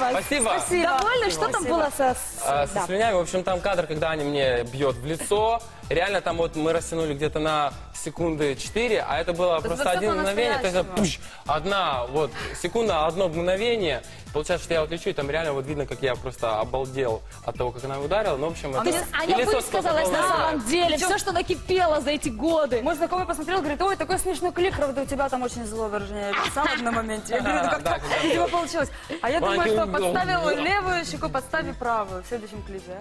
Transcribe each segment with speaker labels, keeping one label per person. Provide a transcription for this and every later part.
Speaker 1: вас.
Speaker 2: Спасибо.
Speaker 1: Довольны? Что там было со...
Speaker 2: Со слюнями, в общем, там кадр, когда они мне бьет в лицо. Реально там вот мы растянули где-то на секунды 4, а это было просто один мгновение. То есть пуш, одна вот секунда, одно мгновение. Получается, что я вот лечу, и там реально вот видно, как я просто обалдел от того, как она ударила. Ну, в общем, это...
Speaker 1: То есть Аня высказалась на самом деле, все, что накипело за эти годы.
Speaker 3: Мой знакомый посмотрел, говорит, ой, такой смешной клип, правда, у тебя там очень злое выражение лица в одном моменте. Я говорю, ну как-то, видимо, получилось. А я думаю, что подставил левую щеку, подставил правую в следующем клипе.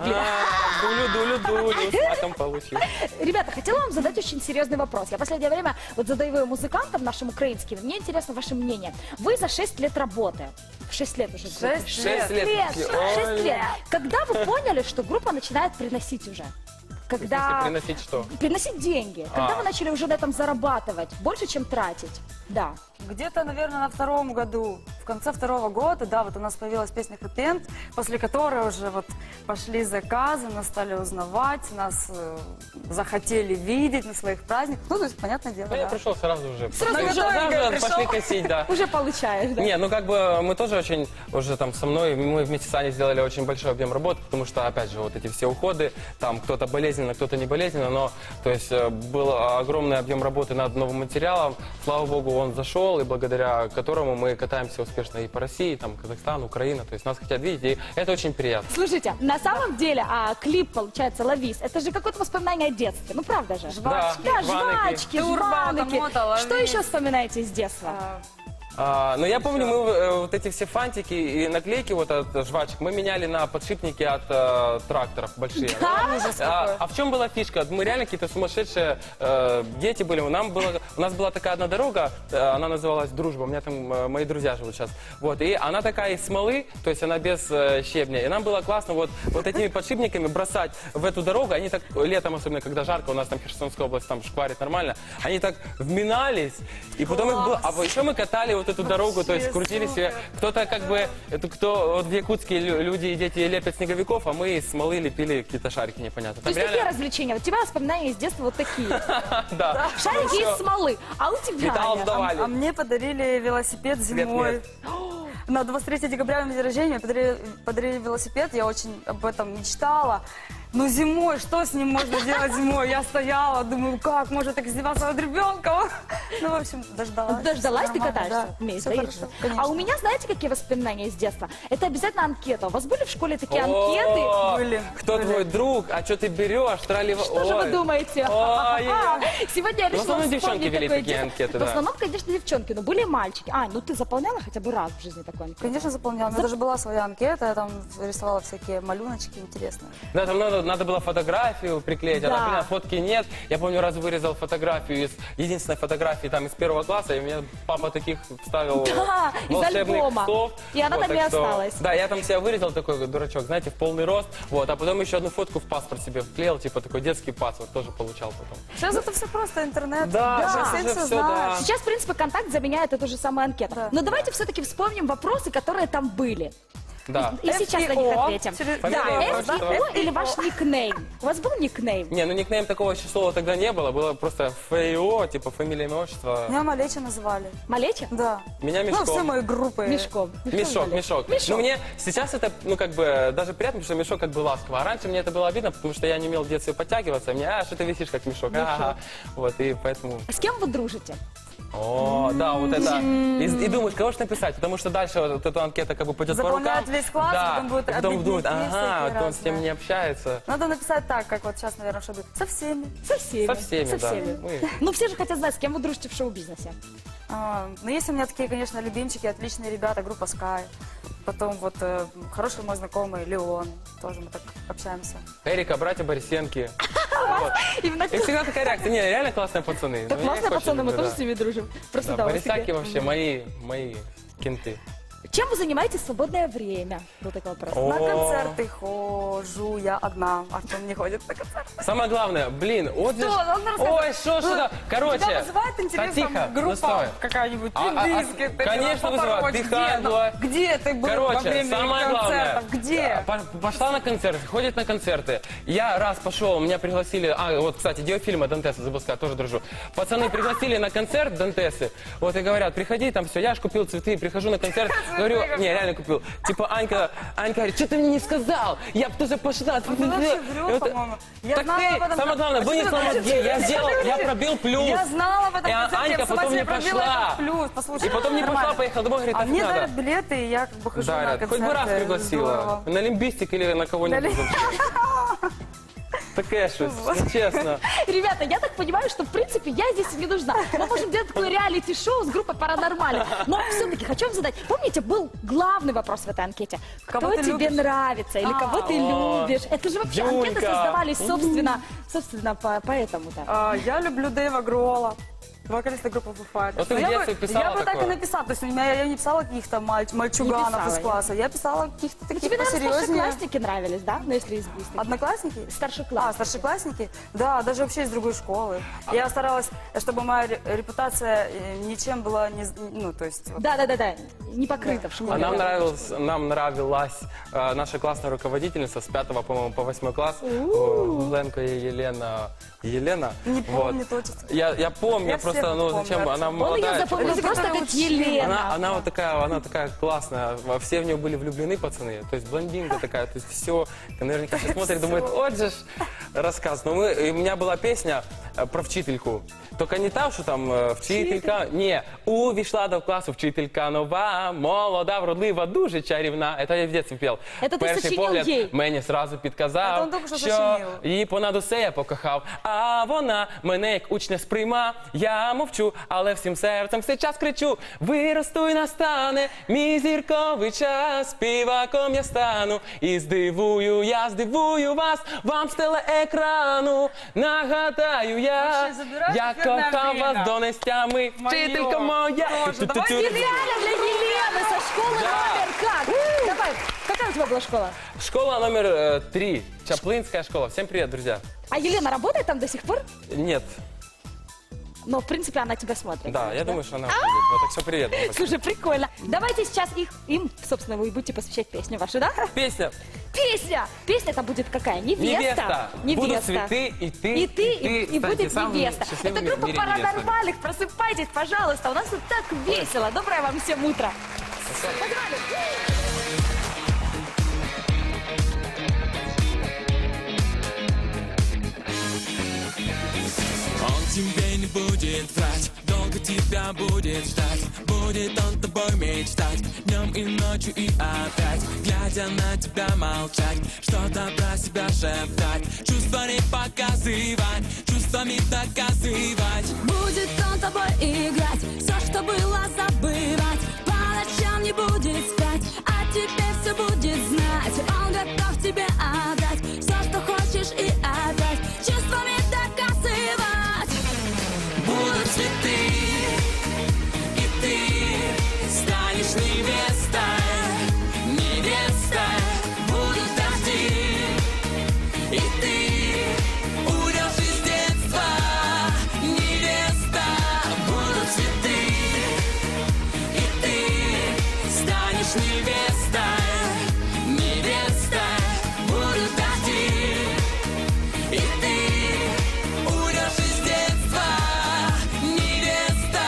Speaker 2: Дулю, а там получилось.
Speaker 1: Ребята, хотела вам задать очень серьезный вопрос. Я в последнее время вот задаю его музыкантам нашим украинским. Мне интересно ваше мнение. Вы за 6 лет работы. 6 лет уже.
Speaker 3: 6 лет.
Speaker 1: 6 лет. Когда вы поняли, что группа начинает приносить уже? Когда...
Speaker 2: Приносить что?
Speaker 1: Приносить деньги. Когда вы начали уже на этом зарабатывать? Больше, чем тратить? Да.
Speaker 3: Где-то, наверное, на втором году, в конце второго года, да, вот у нас появилась песня «Хэппи Энд», после которой уже вот пошли заказы, нас стали узнавать, нас захотели видеть на своих праздниках. Ну, то есть, понятное дело,
Speaker 2: Ну, я
Speaker 3: да.
Speaker 2: пришел сразу уже.
Speaker 3: готовенько пришел.
Speaker 2: Пошли косить, да.
Speaker 1: Уже получаешь, да?
Speaker 2: Не, ну как бы мы тоже очень, уже там со мной, мы вместе с Аней сделали очень большой объем работы, потому что, опять же, вот эти все уходы, там кто-то болезненно, кто-то не болезненно, но, то есть, был огромный объем работы над новым материалом. Слава богу, он зашел, и благодаря которому мы катаемся успешно и по России, там, Казахстан, Украина, то есть нас хотят видеть, и это очень приятно.
Speaker 1: Слушайте, на самом деле, клип, получается, «Ловись», это же какое-то воспоминание о детстве, ну правда же?
Speaker 2: Жвачки.
Speaker 1: Да,
Speaker 2: Жваныки.
Speaker 1: жвачки,
Speaker 3: Турбо,
Speaker 1: жваныки.
Speaker 3: Мота, «Ловись».
Speaker 1: Что еще вспоминаете из детства?
Speaker 2: Но я помню, мы вот эти все фантики и наклейки вот от жвачек мы меняли на подшипники от тракторов большие. А в чем была фишка? Мы реально какие-то сумасшедшие дети были. У нас была такая одна дорога, она называлась «Дружба». У меня там мои друзья живут сейчас. Вот, и она такая из смолы, то есть она без щебня. И нам было классно вот этими подшипниками бросать в эту дорогу. Они так, летом особенно, когда жарко, у нас там Херсонская область, там шкварит нормально, они так вминались, и потом их было... А еще мы катали вот эту дорогу, то есть крутили себе. Кто-то как бы, кто вот в Якутске люди и дети лепят снеговиков, а мы из смолы лепили какие-то шарики непонятно.
Speaker 1: То есть такие развлечения. Вот у тебя воспоминания из детства вот такие.
Speaker 2: Да.
Speaker 1: Шарики из смолы. А у тебя,
Speaker 2: Металл
Speaker 1: Аня?
Speaker 2: сдавали.
Speaker 3: А мне подарили велосипед зимой. На 23 декабря, на день рождения, мне подарили велосипед, я очень об этом мечтала. Но зимой, что с ним можно делать зимой? Я стояла, думаю, как можно так издеваться над ребенком? Ну, в общем, дождалась.
Speaker 1: Дождалась, ты
Speaker 3: Нормально,
Speaker 1: катаешься?
Speaker 3: да.
Speaker 1: Умеешь,
Speaker 3: Всё
Speaker 1: да,
Speaker 3: хорошо,
Speaker 1: ездишь?
Speaker 3: конечно.
Speaker 1: А у меня, знаете, какие воспоминания из детства? Это обязательно анкета. У вас были в школе такие
Speaker 2: О,
Speaker 1: анкеты?
Speaker 3: Были.
Speaker 2: Кто твой друг? А что ты берешь?
Speaker 1: Что же вы думаете? Сегодня я
Speaker 2: В
Speaker 1: решила
Speaker 2: основном девчонки
Speaker 1: вспомнить
Speaker 2: вели
Speaker 1: такое
Speaker 2: такие
Speaker 1: детство.
Speaker 2: анкеты,
Speaker 1: В
Speaker 2: да.
Speaker 1: основном, конечно, девчонки, но были и мальчики. Ну ты заполняла хотя бы раз в жизни такую анкету?
Speaker 3: Конечно, заполняла. У меня даже была своя анкета, я там рисовала всякие малюночки интересные.
Speaker 2: Да, там надо было фотографию приклеить,
Speaker 1: Да.
Speaker 2: а, например, фотки нет. Я помню, раз вырезал фотографию из единственной фотографии там из 1 класса, и мне папа таких вставил
Speaker 1: Да, из
Speaker 2: волшебных
Speaker 1: альбома.
Speaker 2: слов.
Speaker 1: И она
Speaker 2: Вот,
Speaker 1: там и
Speaker 2: так что-
Speaker 1: осталась.
Speaker 2: Да, я там себя вырезал такой дурачок, знаете, в полный рост. Вот, а потом еще одну фотку в паспорт себе вклеил, типа такой детский паспорт тоже получал потом.
Speaker 3: Сейчас это все просто интернет.
Speaker 2: Да,
Speaker 3: Сейчас
Speaker 2: сейчас
Speaker 3: все
Speaker 2: уже всё,
Speaker 3: знают.
Speaker 2: да.
Speaker 1: Сейчас, в принципе, контакт заменяет эту же самую анкету.
Speaker 3: Да.
Speaker 1: Но давайте все-таки вспомним вопросы, которые там были.
Speaker 2: Да.
Speaker 1: И сейчас на них ответим.
Speaker 3: Через-
Speaker 1: Да,
Speaker 2: Фамилия,
Speaker 1: FIO или ваш никнейм? У вас был никнейм?
Speaker 2: Не, ну никнейм такого еще слова тогда не было, было просто ФИО, типа фамилия, имя, отчество.
Speaker 3: Меня Малеча называли.
Speaker 1: Малеча?
Speaker 3: Да.
Speaker 2: Меня
Speaker 3: Ну, все
Speaker 2: Мешком.
Speaker 3: мои группы.
Speaker 1: Мешком.
Speaker 2: Мешок. Ну, мне сейчас это, ну, как бы, даже приятно, потому что мешок как бы ласково. А раньше мне это было обидно, потому что я не умел в детстве подтягиваться. Мне, что ты висишь как мешок. Ага. Вот, и поэтому...
Speaker 1: С кем вы дружите?
Speaker 2: О, да, вот это. И думаешь, кого же написать, потому что дальше вот эта анкета как бы пойдет по рукам.
Speaker 3: Заполняют весь класс,
Speaker 2: да.
Speaker 3: потом будут
Speaker 2: И потом думают,
Speaker 3: обидники
Speaker 2: ага,
Speaker 3: всякие
Speaker 2: вот он с тем
Speaker 3: разные.
Speaker 2: не общается.
Speaker 3: Надо написать так, как вот сейчас, наверное, чтобы со всеми.
Speaker 1: Со всеми.
Speaker 2: Со всеми,
Speaker 1: Со
Speaker 2: да.
Speaker 1: всеми.
Speaker 2: Мы-
Speaker 1: Ну, все же хотят знать, с кем вы дружите в шоу-бизнесе.
Speaker 3: Ну, есть у меня такие, конечно, любимчики, отличные ребята, группа Sky. Потом вот хороший мой знакомый Леон, тоже мы так общаемся.
Speaker 2: Эрика, братья Борисенки.
Speaker 1: Именно
Speaker 2: И всегда такая реакция. Не, реально классные пацаны.
Speaker 1: так
Speaker 2: Ну, я их
Speaker 1: классные
Speaker 2: очень
Speaker 1: пацаны, мы
Speaker 2: люблю,
Speaker 1: тоже
Speaker 2: да.
Speaker 1: с ними дружим. Просто
Speaker 2: Да,
Speaker 1: да, у вас
Speaker 2: Борисяки
Speaker 1: такие-
Speaker 2: вообще мои кенты.
Speaker 1: Чем вы занимаетесь в свободное время? Вот такой вопрос.
Speaker 2: О.
Speaker 3: На концерты хожу я одна, Артем не ходит на концерты.
Speaker 2: Самое главное, блин, вот же...
Speaker 3: Что? Он рассказывает.
Speaker 2: Ой, что? Короче...
Speaker 3: Тебя вызывает интерес
Speaker 2: тихо,
Speaker 3: там,
Speaker 2: ну
Speaker 3: группа
Speaker 2: стой.
Speaker 3: какая-нибудь,
Speaker 2: А,
Speaker 3: индийская, ты
Speaker 2: конечно,
Speaker 3: Папа
Speaker 2: вызывает.
Speaker 3: Роч,
Speaker 2: Бихайло.
Speaker 3: где ты был во
Speaker 2: Короче,
Speaker 3: время
Speaker 2: самое главное,
Speaker 3: концертов? Где?
Speaker 2: Пошла на концерты, ходит на концерты. Я раз пошел, меня пригласили, вот, кстати, Диофильма Дантеса, забыл сказать, тоже дружу. Пацаны пригласили на концерт Дантесы, вот, и говорят, приходи, там все, я ж купил цветы, прихожу на концерт, Говорю, не, реально купил. Типа Анька говорит, что ты мне не сказал? Я бы тоже пошла.
Speaker 3: Ты вообще врешь, по-моему. Я
Speaker 2: Так
Speaker 3: знала
Speaker 2: ты,
Speaker 3: об этом.
Speaker 2: самое главное, вынесла мозги. Я сделал, я пробил плюс.
Speaker 3: Я знала об этом
Speaker 2: И
Speaker 3: концерте,
Speaker 2: Анька
Speaker 3: я в
Speaker 2: потом
Speaker 3: смысле
Speaker 2: не
Speaker 3: пробила
Speaker 2: пошла.
Speaker 3: этот плюс. Послушай,
Speaker 2: И потом не
Speaker 3: нормально.
Speaker 2: пошла, поехала домой, говорит,
Speaker 3: А
Speaker 2: так
Speaker 3: мне
Speaker 2: надо.
Speaker 3: дарят билеты, и я как бы хожу на
Speaker 2: Дарят.
Speaker 3: концерты.
Speaker 2: Хоть бы раз пригласила.
Speaker 3: Здорово.
Speaker 2: На лимбистик или на кого-нибудь. Таке щось, ну, честно.
Speaker 1: Ребята, я так понимаю, что в принципе я здесь не нужна. Мы можем делать такое реалити-шоу с группой Паранормально. Но все-таки хочу вам задать. Помните, был главный вопрос в этой анкете. Кто
Speaker 3: Кого ты
Speaker 1: тебе
Speaker 3: любишь?
Speaker 1: нравится или кого ты любишь? Это же вообще анкеты
Speaker 2: Дюнька.
Speaker 1: создавались собственно поэтому-то.
Speaker 3: Я люблю Дэйва Гролла, вокалиста группы Foo Fighters.
Speaker 2: Вот ты в
Speaker 3: Но
Speaker 2: детстве писала
Speaker 3: я бы так и
Speaker 2: такое?
Speaker 3: написала. То есть у меня я не писала каких-то мальчуганов
Speaker 1: писала,
Speaker 3: из
Speaker 1: нет.
Speaker 3: класса. Я писала каких-то таких
Speaker 1: Тебе, наверное,
Speaker 3: посерьезнее.
Speaker 1: старшеклассники нравились, да? Ну, если из близких.
Speaker 3: Одноклассники?
Speaker 1: Старшеклассники.
Speaker 3: Старшеклассники? Да, даже вообще из другой школы. Я старалась, чтобы моя репутация ничем была не... Ну, то есть... вот.
Speaker 1: Да, не покрыто в школе.
Speaker 2: А нам нравилась наша классная руководительница с 5 по-моему, по 8 класс. Гуленко Елена.
Speaker 3: Не помню точно.
Speaker 2: Я помню,
Speaker 3: Я
Speaker 2: просто,
Speaker 3: всех
Speaker 2: ну
Speaker 3: помню,
Speaker 2: зачем,
Speaker 3: Артем.
Speaker 2: она
Speaker 1: Он ее
Speaker 2: молодая.
Speaker 1: запомнил
Speaker 3: Люди,
Speaker 1: просто
Speaker 3: которые
Speaker 1: как
Speaker 3: учили.
Speaker 1: Елена.
Speaker 2: Она такая классная, все в нее были влюблены, пацаны, то есть блондинка такая, то есть все, наверняка все смотрят, думают, вот же ж рассказ. Но у меня была песня про вчительку, только не та, що там вчителька, ні, увійшла до класу вчителька нова, молода, вродлива, дуже чарівна. Это я в дитинстві пів.
Speaker 1: Это ти
Speaker 2: Перший
Speaker 1: сочинив
Speaker 2: погляд
Speaker 1: їй?
Speaker 2: мені сразу
Speaker 3: Це
Speaker 2: підказав,
Speaker 3: він тільки що
Speaker 2: що
Speaker 3: сочинив.
Speaker 2: її понад усе я покохав, а вона мене як учня сприйма. Я мовчу, але всім серцем все час кричу. Виросту й настане мій зірковий час, співаком я стану. І здивую вас, вам з телеекрану. Нагадаю я,
Speaker 3: Вообще, забирай
Speaker 2: я
Speaker 3: ефірне
Speaker 2: кохав
Speaker 3: время.
Speaker 2: вас донестями, вчителька моя.
Speaker 3: Тоже. Давай
Speaker 1: Специально для Елены со школы
Speaker 2: Да.
Speaker 1: номер как? Давай, какая у тебя была школа?
Speaker 2: Школа номер 3, Чаплинская школа. Всем привет, друзья.
Speaker 1: А Елена работает там до сих пор?
Speaker 2: Нет,
Speaker 1: Но, в принципе, она тебя смотрит.
Speaker 2: да, я думаю, что она будет. Ну, так все, привет. Спасибо.
Speaker 1: Слушай, прикольно. Давайте сейчас им, собственно, вы будете посвящать песню вашу, да?
Speaker 2: Песня.
Speaker 1: Песня! Песня-то будет какая? Невеста.
Speaker 2: Будут цветы, и ты,
Speaker 1: И будет
Speaker 2: станете
Speaker 1: невеста.
Speaker 2: самыми счастливыми
Speaker 1: Это
Speaker 2: в
Speaker 1: группа
Speaker 2: мире невестами.
Speaker 1: Паранормальных. Просыпайтесь, пожалуйста. У нас тут так весело. Доброе вам всем утро. Погнали.
Speaker 4: Он тебе не будет врать, долго тебя будет ждать. Будет он тобой мечтать, днем и ночью и опять. Глядя на тебя молчать, что-то про себя шептать. Чувства не показывать, чувствами доказывать.
Speaker 5: Будет он тобой играть, все, что было, забывать. По ночам не будет спать, а теперь все будет знать. Он готов тебе отдать все, что хочешь, и опять чувствами доказывать.
Speaker 4: Будут цветы, и ты станешь невестой, невестой. Будут дожди, и ты уйдешь из детства, невеста. Будут цветы, и ты станешь невестой, невестой. Будут дожди, и ты уйдешь из детства, невеста.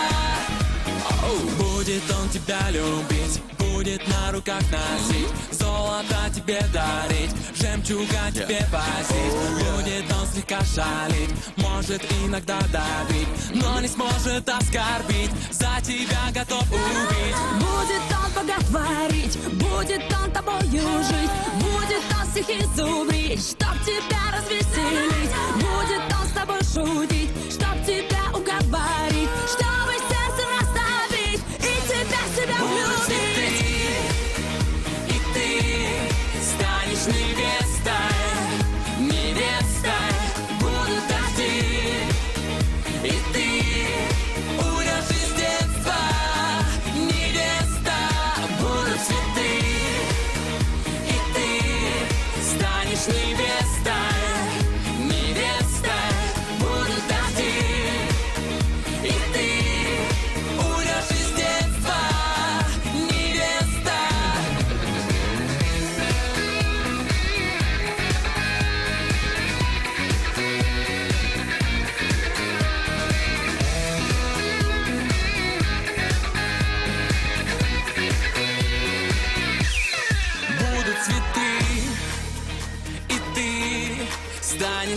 Speaker 4: Будет он тебя любить, будет на руках носить, золото тебе дарить, жемчуга тебе возить. Будет он слегка шалить, может иногда давить, но не сможет оскорбить, за тебя готов убить.
Speaker 5: Будет он поговорить, будет он тобою жить, будет он всех изумрить, чтоб тебя развеселить. Будет он с тобой шутить, чтоб тебя уговорить, чтобы сердце расставить и тебя
Speaker 4: Будут цветы,
Speaker 5: влюбить.
Speaker 4: и ты станешь невестой, невестой. Будут дожди, и ты уйдешь из детства, невеста. Будут цветы, и ты станешь невестой,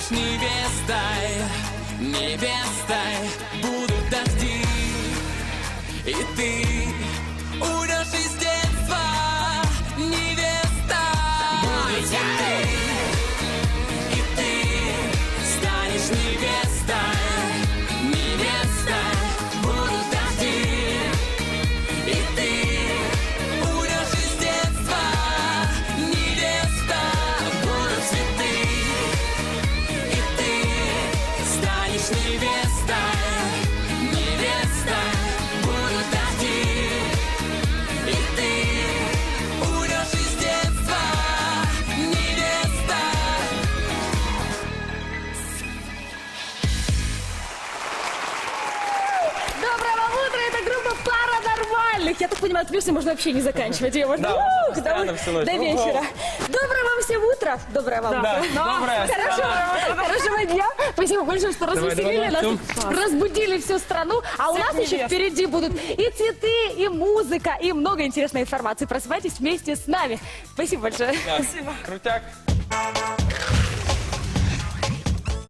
Speaker 4: станешь невестой, невестой. Будут дожди, и ты уйдешь из детства, невеста. Будут цветы, и ты станешь невестой, невестой. Будут дожди, и ты уйдешь из детства, невеста. Будут цветы, и ты станешь невестой, невестой. Будут дожди, и ты уйдешь из детства, невеста.
Speaker 1: Доброе вам утро, это группа Паранормальных. Я так понимаю, песню можно вообще не заканчивать. Ее можно
Speaker 2: Да, можно постоянно
Speaker 1: до
Speaker 2: всю ночь.
Speaker 1: до вечера. Доброе вам всем утро. Доброе вам
Speaker 2: Да,
Speaker 1: утро.
Speaker 2: доброе.
Speaker 1: Хорошего дня. Спасибо большое, что развеселили нас,
Speaker 2: давай.
Speaker 1: разбудили всю страну. А у нас еще впереди будут и цветы, и музыка, и много интересной информации. Просыпайтесь вместе с нами. Спасибо большое.
Speaker 2: Крутяк.